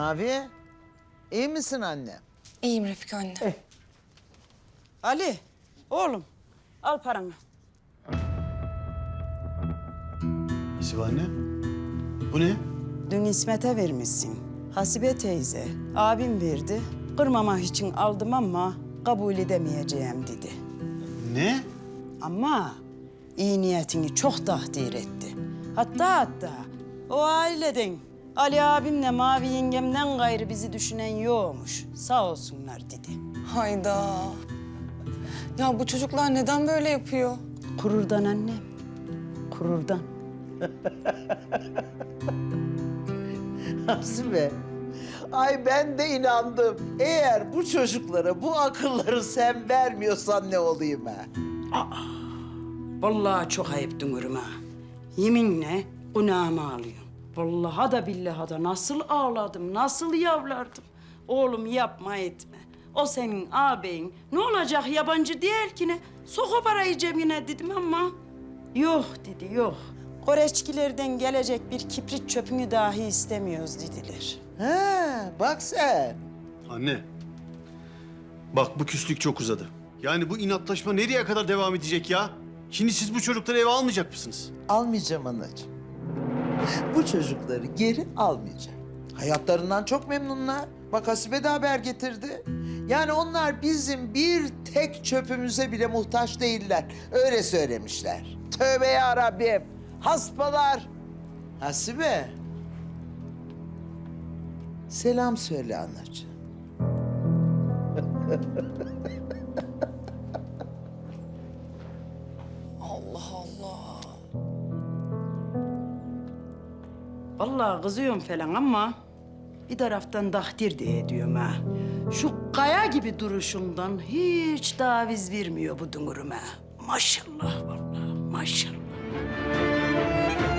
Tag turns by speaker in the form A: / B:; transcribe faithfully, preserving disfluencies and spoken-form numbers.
A: Mavi, iyi misin anne?
B: İyiyim Refika anne.
A: Eh.
C: Ali, oğlum al paranı.
D: Nesi var anne? Bu ne?
C: Dün İsmet'e vermişsin. Hasibe teyze, abim verdi. Kırmamak için aldım ama kabul edemeyeceğim dedi.
D: Ne?
C: Ama iyi niyetini çok takdir etti. Hatta hatta o aileden Ali abimle Mavi yengemden gayrı bizi düşünen yokmuş. Sağ olsunlar dedi.
B: Hayda. Ya bu çocuklar neden böyle yapıyor?
C: Kururdan annem, kururdan.
A: Hasibe, ay ben de inandım. Eğer bu çocuklara bu akılları sen vermiyorsan ne olayım ha?
C: Vallahi çok ayıp dünürüm ha. Yeminle günahımı alıyorum. Vallahi da billahi da nasıl ağladım, nasıl yavlardım. Oğlum yapma etme. O senin ağabeyin. Ne olacak yabancı değil ki ne? Sok o parayı cebine dedim ama... Yok dedi, yok. Koreçkilerden gelecek bir kibrit çöpünü dahi istemiyoruz dediler.
A: Ha, bak sen.
D: Anne. Bak bu küslük çok uzadı. Yani bu inatlaşma nereye kadar devam edecek ya? Şimdi siz bu çocukları eve almayacak mısınız?
A: Almayacağım anacığım. Bu çocukları geri almayacağım. Hayatlarından çok memnunlar. Bak Hasibe de haber getirdi. Yani onlar bizim bir tek çöpümüze bile muhtaç değiller. Öyle söylemişler. Tövbe ya Rabbim. Hasbalar. Hasibe. Selam söyle anacığım.
B: Allah Allah.
C: Vallahi kızıyorum falan ama bir taraftan takdir de ediyorum ha. Şu kaya gibi duruşundan hiç taviz vermiyor bu dünürüm ha. Maşallah vallahi, maşallah.